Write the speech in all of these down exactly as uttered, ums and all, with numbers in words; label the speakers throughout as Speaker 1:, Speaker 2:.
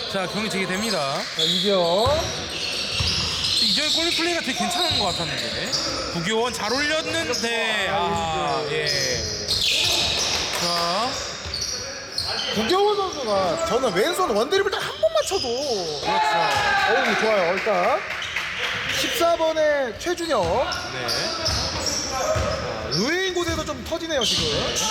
Speaker 1: 자, 경기 재개됩니다.
Speaker 2: 자, 이경.
Speaker 1: 이전에 골밑 플레이가 되게 괜찮은 것 같았는데. 구교원 잘 올렸는데, 아, 예. 자,
Speaker 2: 구경원 선수가 저는 왼손 원드리블 딱 한 번만 쳐도
Speaker 1: 그렇죠.
Speaker 2: 어우 좋아요. 일단 십사 번의 최준혁.
Speaker 1: 네.
Speaker 2: 의외인 곳에서 좀 터지네요 지금.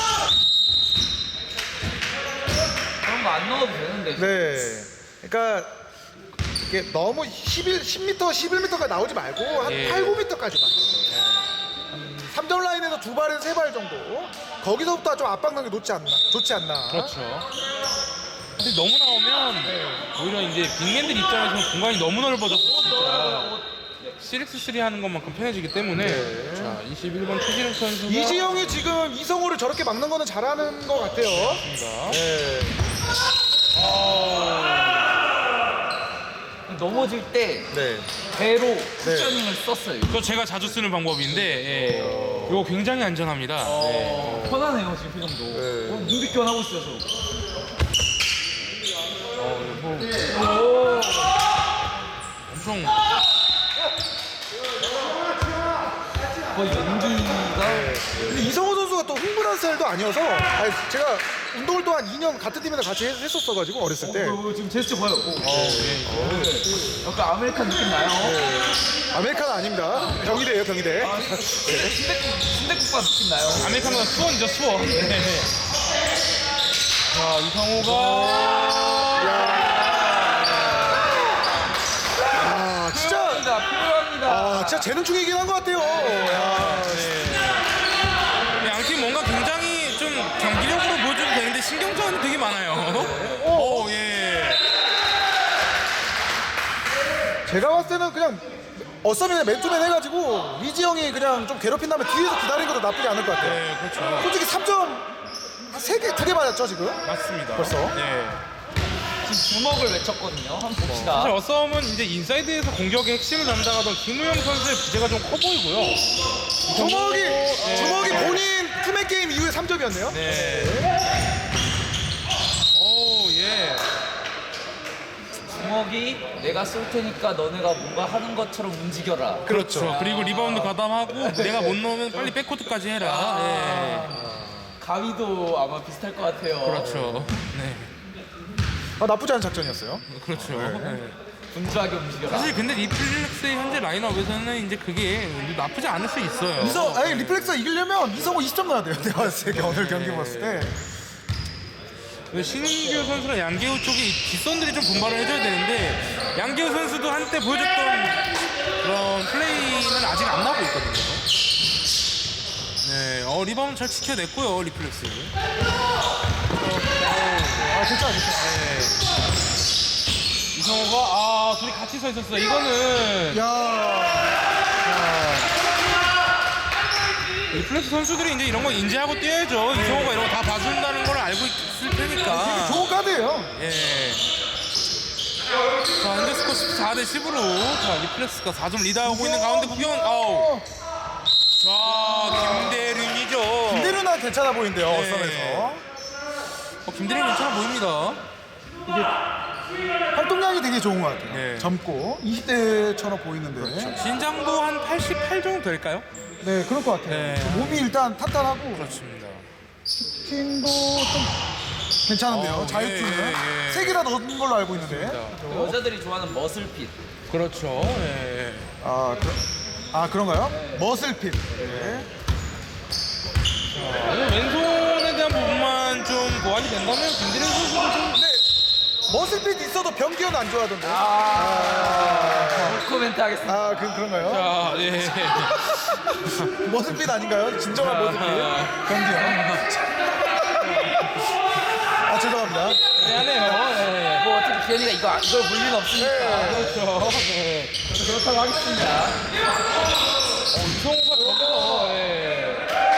Speaker 3: 그런 거 안 넣어도 되는데.
Speaker 2: 네. 그러니까 이게 너무 십일, 십 미터, 십일 미터까지 나오지 말고 한
Speaker 1: 예.
Speaker 2: 팔, 구 미터까지만. 삼 점 라인에서 두 발에서 세 발 정도. 거기서부터 좀 압박력이 좋지 않나? 좋지 않나?
Speaker 1: 그렇죠. 근데 너무 나오면 오히려 이제 빅맨들 입장에서는 공간이 너무 넓어져서 진짜 씨엑스 쓰리 하는 것만큼 편해지기 때문에
Speaker 2: 네.
Speaker 1: 자, 이십일 번 최진욱 선수가
Speaker 2: 이지영이 지금 이성호를 저렇게 막는 거는 잘하는 것 같아요.
Speaker 1: 있습니다.
Speaker 2: 네.
Speaker 3: 넘어질 때
Speaker 2: 네.
Speaker 3: 배로 쿠셔닝을 썼어요.
Speaker 1: 그거 제가 자주 쓰는 방법인데 예. 이거 굉장히 안전합니다. 네.
Speaker 3: 어, 편하네요 지금 표정도.
Speaker 2: 네.
Speaker 3: 어, 눈빛 교환하고 있어요 저.
Speaker 1: 어, 뭐
Speaker 3: 오.
Speaker 1: 엄청
Speaker 3: 거의 연기가.
Speaker 2: 근데 이성호 선수가 또 흥분한 스타일도 아니어서 아니, 제가 운동을 또 한 이 년 같은 팀에서 같이 했- 했었어가지고 어렸을 때
Speaker 3: 어, 어, 지금 제스처 봐요. 오.
Speaker 1: 예.
Speaker 3: 약간 아메리칸 느낌 나요.
Speaker 2: 아메리카노 아닙니다. 경희대예요 경희대.
Speaker 3: 아, 순대, 순대국밥 느낌 나요.
Speaker 1: 아메리카노가 수원이죠, 수원. 네. 자, 이성호가
Speaker 2: 아 진짜
Speaker 3: 필요합니다. 필요합니다.
Speaker 2: 아 진짜 재능충이긴 한 것 같아요. 야,
Speaker 1: 네, 양팀 뭔가 굉장히 좀 경기력으로 보여줘도 되는데 신경전이 되게 많아요. 오, 예.
Speaker 2: 제가 봤을 때는 그냥 어썸이나 맨투맨 해가지고 이지영이 그냥 좀 괴롭힌 다음에 뒤에서 기다리는 것도 나쁘지 않을 것 같아요.
Speaker 1: 네, 그렇죠.
Speaker 2: 솔직히 삼 점 세 개, 두 개 맞았죠 지금?
Speaker 1: 맞습니다.
Speaker 2: 벌써?
Speaker 1: 네.
Speaker 3: 지금 주먹을 외쳤거든요. 한번 봅시다.
Speaker 1: 사실 어썸은 이제 인사이드에서 공격의 핵심을 담당하던 김우영 선수의 부재가 좀 커 보이고요.
Speaker 2: 주먹이
Speaker 1: 네.
Speaker 2: 주먹이 본인 투맨 게임 이후에 삼 점이었네요.
Speaker 1: 네. 오, 예.
Speaker 3: 주먹이 내가 쏠 테니까 너네가 뭔가 하는 것처럼 움직여라.
Speaker 2: 그렇죠.
Speaker 1: 그렇죠. 그리고 리바운드 가담하고 내가 못 넣으면 빨리 백코트까지 해라. 예.
Speaker 3: 가위도 아마 비슷할 것 같아요.
Speaker 1: 그렇죠. 네.
Speaker 2: 아, 나쁘지 않은 작전이었어요.
Speaker 1: 그렇죠. 네.
Speaker 3: 분주하게 움직여라.
Speaker 1: 사실 근데 리플렉스의 현재 라인업에서는 이제 그게 나쁘지 않을 수 있어요.
Speaker 2: 이성, 아니 리플렉스가 이기려면 이성호 이십 점 넣어야 돼요. 내가 봤을 때 오늘 경기 봤을 때.
Speaker 1: 신인규 선수랑 양계우 쪽이 뒷선들이 좀 분발을 해줘야 되는데 양계우 선수도 한때 보여줬던 그런 플레이는 아직 안 나오고 있거든요. 네, 어 리바운드 잘 지켜냈고요 리플렉스.
Speaker 2: 아 진짜 진짜.
Speaker 1: 네. 이성호가 아 둘이 같이 서 있었어요. 이거는
Speaker 2: 야.
Speaker 1: 리플렉스 선수들이 이제 이런 거 인지하고 뛰어야죠. 이성호가 이런 거 다 봐준다는 걸 알고 있을 테니까.
Speaker 2: 좋은 카드예요.
Speaker 1: 예. 자, 현대스코 십사 대 십으로 자, 리플렉스가 사 점 리드하고 있는 가운데 구경. 아우. 자, 김대륜이죠.
Speaker 2: 김대륜아 괜찮아 보이는데요.
Speaker 1: 네.
Speaker 2: 어썸에서.
Speaker 1: 어, 김대륜 괜찮아 보입니다.
Speaker 2: 활동량이 되게 좋은 것 같아요.
Speaker 1: 네.
Speaker 2: 젊고 이십 대처럼 보이는데.
Speaker 1: 신장도 한 팔십팔 정도 될까요?
Speaker 2: 네 그럴 것 같아요.
Speaker 1: 네.
Speaker 2: 몸이 일단 탄탄하고
Speaker 1: 그렇습니다.
Speaker 2: 슈팅도 좀 괜찮은데요.
Speaker 1: 어,
Speaker 2: 자유투는
Speaker 1: 예, 예, 예.
Speaker 2: 세 개나 넣은 걸로 알고 있는데.
Speaker 3: 여자들이 좋아하는 머슬핏.
Speaker 1: 그렇죠. 예.
Speaker 2: 아, 그, 아 그런가요? 머슬핏. 네.
Speaker 1: 자, 왼손에 대한 부분만 좀 보완이 된다면 김대륜 선수도 좀
Speaker 2: 근데 머슬핏 있어도 병기현 안 좋아하던데. 아,
Speaker 3: 아, 코멘트 하겠습니다.
Speaker 2: 아 그, 그런가요?
Speaker 1: 자, 예.
Speaker 2: 머슬핏 아닌가요? 진정한 머슬핏. 병기현. 아 죄송합니다.
Speaker 1: 미안해요. 예.
Speaker 3: 뭐 어차피 기현이가 이거 이걸 볼 리는 없으니까.
Speaker 1: 그렇죠. 네.
Speaker 3: 그렇다고 하겠습니다.
Speaker 1: 어, 이성호가 저기서 예.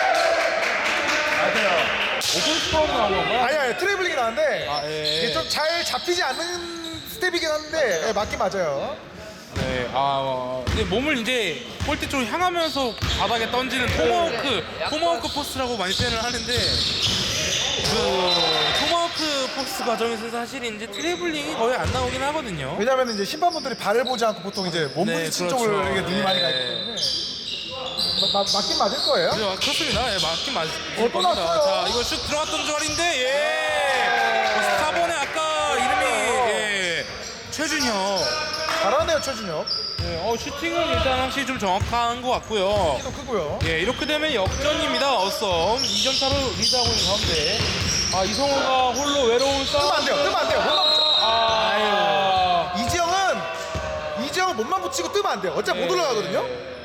Speaker 3: 맞아요.
Speaker 1: 오픈 스파우로 나온 건가요?
Speaker 2: 아니 아니 트래블링이 나왔는데
Speaker 1: 아, 예.
Speaker 2: 이게 좀 잘 잡히지 않는 스텝이긴 한데 예, 맞긴 맞아요.
Speaker 1: 네, 아, 어, 이제 몸을 이제 골대 쪽으로 향하면서 바닥에 던지는 토마호크, 토마호크 포스라고 많이 표현을 하는데 그 토마호크 포스 과정에서 사실 이제 트래블링이 거의 안 나오긴 하거든요.
Speaker 2: 왜냐면 이제 심판분들이 발을 보지 않고 보통 이제 몸
Speaker 1: 네,
Speaker 2: 부딪힌
Speaker 1: 그렇죠.
Speaker 2: 쪽을 이렇게 눈이 많이
Speaker 1: 네.
Speaker 2: 가기 때문에 마- 마- 맞긴 맞을 거예요.
Speaker 1: 그래요, 그렇습니다. 예, 맞긴 맞을
Speaker 2: 어, 또
Speaker 1: 겁니다.
Speaker 2: 났어요.
Speaker 1: 자, 이거 슛 들어갔던 자리인데, 예. 어, 스타번의 아까 이름이, 예. 최준혁.
Speaker 2: 잘하네요 최준혁.
Speaker 1: 예, 어, 슈팅은 일단 확실히 좀 정확한 것 같고요.
Speaker 2: 키도 크고요.
Speaker 1: 예, 이렇게 되면 역전입니다. 어썸. 이 점 차로 리드하고 있는 가운데. 아, 이성호가 홀로 외로운 싸움.
Speaker 2: 뜨면 안 돼요. 뜨면 안 돼요. 못 맞죠.
Speaker 1: 아,
Speaker 2: 이지영은 이지영은 몸만 붙이고 뜨면 안 돼요. 어차피 못 올라가거든요.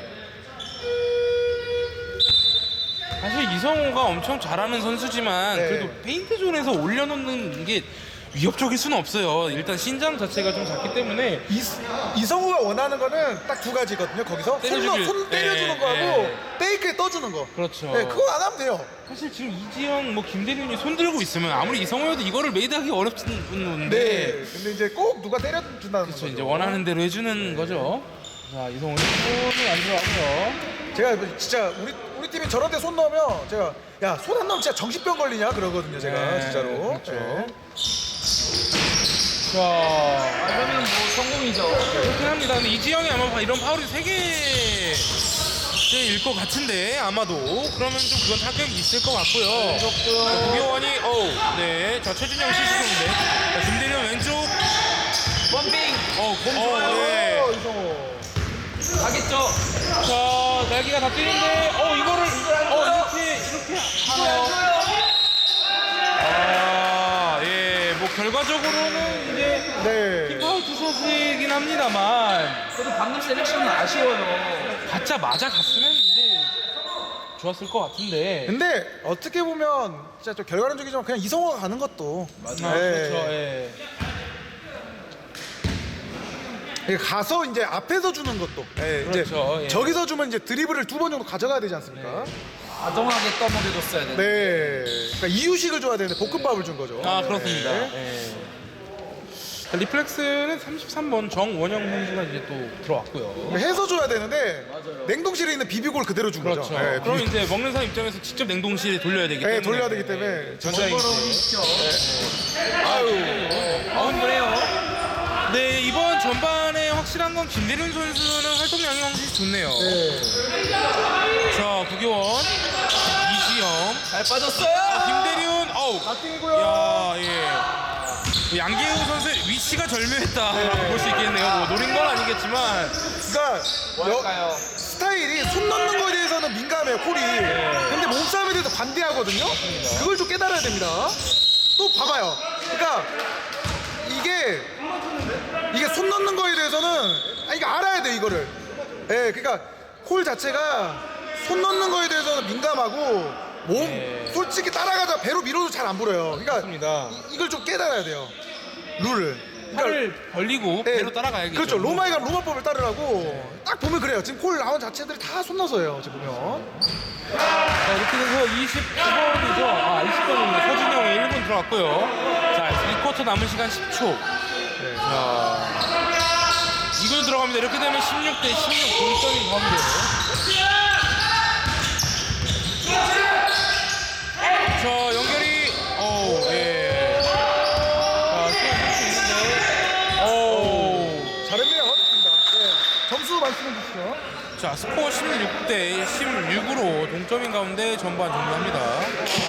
Speaker 1: 사실 이성호가 엄청 잘하는 선수지만
Speaker 2: 네.
Speaker 1: 그래도 페인트 존에서 올려놓는 게 위협적일 수는 없어요. 일단 신장 자체가 좀 작기 때문에
Speaker 2: 이, 이성우가 원하는 거는 딱 두 가지거든요. 거기서 손,
Speaker 1: 때려주길.
Speaker 2: 넣- 손 때려주는
Speaker 1: 예,
Speaker 2: 거하고
Speaker 1: 예.
Speaker 2: 페이크에 떠주는 거.
Speaker 1: 그렇죠.
Speaker 2: 네, 그거 안 하면 돼요.
Speaker 1: 사실 지금 이지영, 뭐 김대륜이 손 들고 있으면 아무리 이성호여도 이거를 메이드하기 어렵는데
Speaker 2: 네. 근데 이제 꼭 누가 때려준다는
Speaker 1: 그렇죠.
Speaker 2: 거죠.
Speaker 1: 이제 원하는 대로 해주는 거죠. 자, 이성호 손이 안 들어가고요.
Speaker 2: 제가 진짜 우리 우리 팀이 저런 데 손 넣으면 제가 야 손 안 넣으면 진짜 정신병 걸리냐 그러거든요. 제가
Speaker 1: 네,
Speaker 2: 진짜로.
Speaker 1: 그렇죠.
Speaker 2: 네.
Speaker 1: 자,
Speaker 3: 아, 그러면 뭐 성공이죠.
Speaker 1: 그렇긴 합니다. 근데 이지영이 아마 이런 파울이 세 개일 것 같은데 아마도 그러면 좀 그건 타격이 있을 것 같고요. 자, 구교원이 어우 네, 자 최준영 실수인데 자, 김대련 왼쪽
Speaker 3: 원빙
Speaker 1: 어우 어, 네.
Speaker 2: 어, 이성우.
Speaker 3: 가겠죠.
Speaker 1: 자 날개가 다 뛰는데 어 이거를 어 이렇게 이렇게 하나요? 아예뭐 결과적으로는 이제
Speaker 2: 네.
Speaker 1: 킥파울 투샷이긴 합니다만
Speaker 3: 그래도 방금 셀렉션은 아쉬워요.
Speaker 1: 가짜 맞아 갔으면 이제 좋았을 것 같은데.
Speaker 2: 근데 어떻게 보면 진짜 좀 결과론적이지만 그냥 이성우가 가는 것도
Speaker 1: 아,
Speaker 2: 네.
Speaker 1: 그렇죠. 예.
Speaker 2: 이게 가서 이제 앞에서 주는 것도 예,
Speaker 1: 그렇죠,
Speaker 2: 이제
Speaker 1: 예.
Speaker 2: 저기서 주면 이제 드리블을 두 번 정도 가져가야 되지 않습니까?
Speaker 3: 아동하게 떠먹여줬어야 되는데.
Speaker 2: 네. 그러니까 이유식을 줘야 되는데 볶음밥을 준 거죠.
Speaker 1: 아 그렇습니다.
Speaker 2: 네.
Speaker 1: 예. 자, 리플렉스는 삼십삼 번 정원영 선수가 이제 또 들어왔고요.
Speaker 2: 해서 줘야 되는데 냉동실에 있는 비비골 그대로 준
Speaker 1: 그렇죠.
Speaker 2: 거죠. 네,
Speaker 1: 그럼
Speaker 2: 비비-
Speaker 1: 이제 먹는 사람 입장에서 직접 냉동실에 돌려야 되기 때문에.
Speaker 2: 네, 돌려야 되기 때문에
Speaker 1: 전자레인지.
Speaker 3: 있죠.
Speaker 2: 아유.
Speaker 3: 아, 그래요.
Speaker 1: 네 이번 전반에 확실한 건 김대륜 선수는 활동량이 확실히 좋네요.
Speaker 2: 네.
Speaker 1: 자 구교원, 이지영,
Speaker 3: 잘 빠졌어요.
Speaker 1: 김대륜, 어우.
Speaker 2: 바팅이고요.
Speaker 1: 야 예. 양계우 선수의 위치가 절묘했다 볼 수 있겠네요. 뭐 노린 건 아니겠지만.
Speaker 2: 그러니까 여,
Speaker 3: 뭘까요?
Speaker 2: 스타일이 손 넣는 거에 대해서는 민감해요, 콜이. 근데 몸싸움에 대해서 반대하거든요. 그걸 좀 깨달아야 됩니다. 또 봐봐요. 그러니까 이게 이게 손 넣는 거에 대해서는 아 이거 알아야 돼 이거를. 예, 그러니까 콜 자체가 손 넣는 거에 대해서는 민감하고 몸
Speaker 1: 네.
Speaker 2: 솔직히 따라가자 배로 밀어도 잘 안 불어요. 그러니까
Speaker 1: 맞습니다.
Speaker 2: 이, 이걸 좀 깨달아야 돼요. 룰을. 그러니까
Speaker 1: 팔을 벌리고
Speaker 2: 네,
Speaker 1: 배로 따라가야겠죠.
Speaker 2: 그렇죠. 로마에 가면 로마법을 따르라고 딱 보면 그래요. 지금 콜 나온 자체들이 다 손 넣어서예요. 지금 보면.
Speaker 1: 자, 이렇게 돼서 이십구 번이죠. 아, 이십 번입니다. 서준영이 일 분 들어갔고요. 자, 이 쿼터 남은 시간 십 초.
Speaker 2: 네.
Speaker 1: 자, 이걸 들어갑니다. 이렇게 되면 십육 대 십육 동점인 가운데. 자, 연결이, 어우, 예. 자, 시간 수 있는데, 어우.
Speaker 2: 잘했네요. 좋습니다. 네. 점수 말씀해 주시죠.
Speaker 1: 자, 스코어 십육 대 십육으로 동점인 가운데 전반 종료합니다.